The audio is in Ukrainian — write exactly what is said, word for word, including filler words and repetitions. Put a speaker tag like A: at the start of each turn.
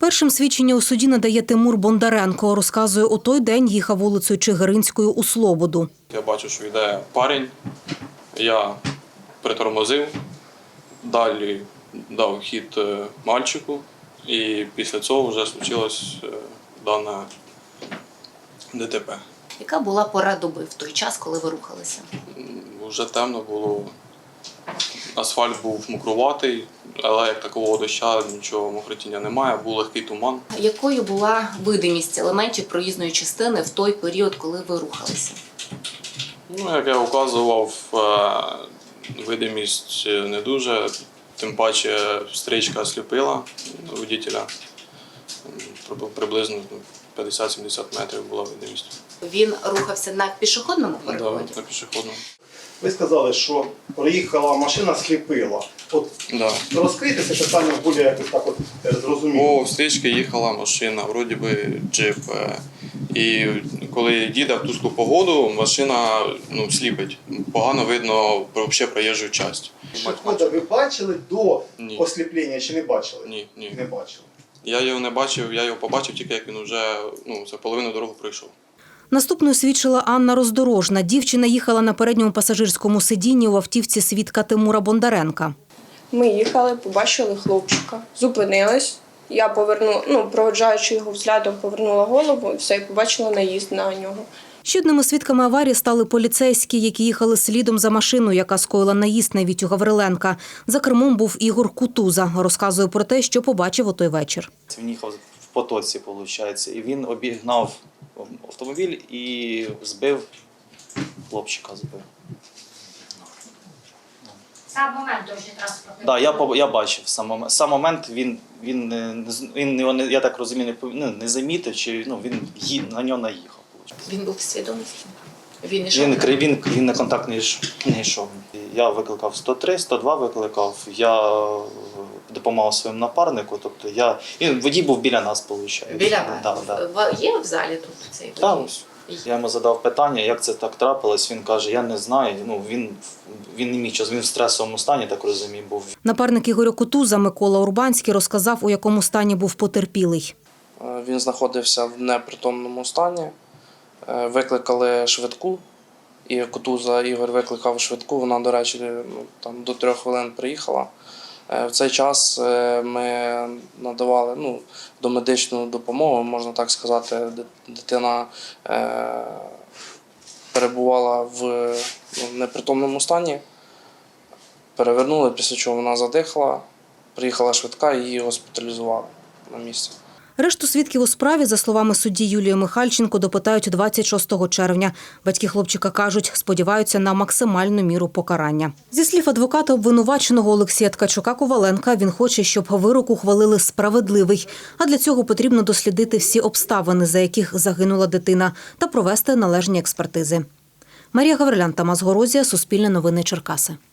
A: Першим свідчення у суді надає Тимур Бондаренко. Розказує, у той день їхав вулицею Чигиринською у Слободу.
B: Я бачу, що йде парень, я притормозив, далі дав хід мальчику і після цього вже случилось дане ДТП.
C: Яка була пора доби в той час, коли ви рухалися?
B: Вже темно було, асфальт був мокруватий, але як такого дощу, нічого мокротіння немає, був легкий туман.
C: Якою була видимість елементів проїзної частини в той період, коли ви рухалися?
B: Ну, як я указував, видимість не дуже, тим паче стрічка сліпила водителя, приблизно п'ятдесят-сімдесят метрів була видимість.
C: Він рухався на пішохідному переході?
B: Так, на пішохідному.
D: Ви сказали, що проїхала машина, сліпила. От
B: Да.
D: розкрийте це питання більш якось так от зрозуміло.
B: По стрічці їхала машина, вроді би джип. І коли їде в тусклу погоду, машина ну, сліпить. Погано видно взагалі проїжджу частину.
D: Пішохода ви бачили до
B: Ні.
D: осліплення чи не бачили?
B: Ні, ні.
D: Не бачили.
B: Я його не бачив, я його побачив тільки як він вже ну, за половину дороги пройшов.
A: Наступною свідчила Анна Роздорожна. Дівчина їхала на передньому пасажирському сидінні у автівці свідка Тимура Бондаренка.
E: Ми їхали, побачили хлопчика, зупинились. Я повернула, ну, проводжаючи його взглядом, повернула голову і все, і побачила наїзд на нього.
A: Ще одними свідками аварії стали поліцейські, які їхали слідом за машиною, яка скоїла наїзд на Вітю Гавриленка. За кермом був Ігор Кутуза. Розказує про те, що побачив у той вечір.
F: Він їхав в потоці, виходить, і він обігнав автомобіль і збив, хлопчика збив.
G: Сам момент дорожньої транспортної.
F: Так, я, поб- я бачив сам момент. Сам момент він, він, не- не з- він його, не- я так розумію, не, пов- ну, не замітив, чи ну, він ї- на нього наїхав. виходить.
C: Він був в свідомості? Він ішов?
F: Він, кри- він, він на контакт не йш- не йшов. Я викликав сто три, сто два викликав, я е, допомагав своєму напарнику, тобто я, він, водій був біля нас, виходить.
C: Біля
F: Да,
C: вас?
F: да.
C: Ва- Є в залі тут цей водій?
F: Так, ось. Я йому задав питання, як це так трапилось. Він каже, я не знаю. Ну, він, він не міг час, він в стресовому стані, так розумію, був.
A: Напарник Ігоря Кутуза Микола Урбанський розказав, у якому стані був потерпілий.
H: Він знаходився в непритомному стані. Викликали швидку, і Кутуза Ігор викликав швидку. Вона, до речі, ну, там, до трьох хвилин приїхала. В цей час ми надавали ну, домедичну допомогу, можна так сказати. Дитина е, перебувала в ну, непритомному стані. Перевернули, після чого вона задихала. Приїхала швидка і її госпіталізували на місці.
A: Решту свідків у справі, за словами судді Юлії Михальченко, допитають двадцять шостого червня. Батьки хлопчика кажуть, сподіваються на максимальну міру покарання. Зі слів адвоката обвинуваченого Олексія Ткачука-Коваленка, він хоче, щоб вирок ухвалили справедливий. А для цього потрібно дослідити всі обставини, за яких загинула дитина, та провести належні експертизи. Марія Гаврилян, Тамас Горозія, Суспільне новини, Черкаси.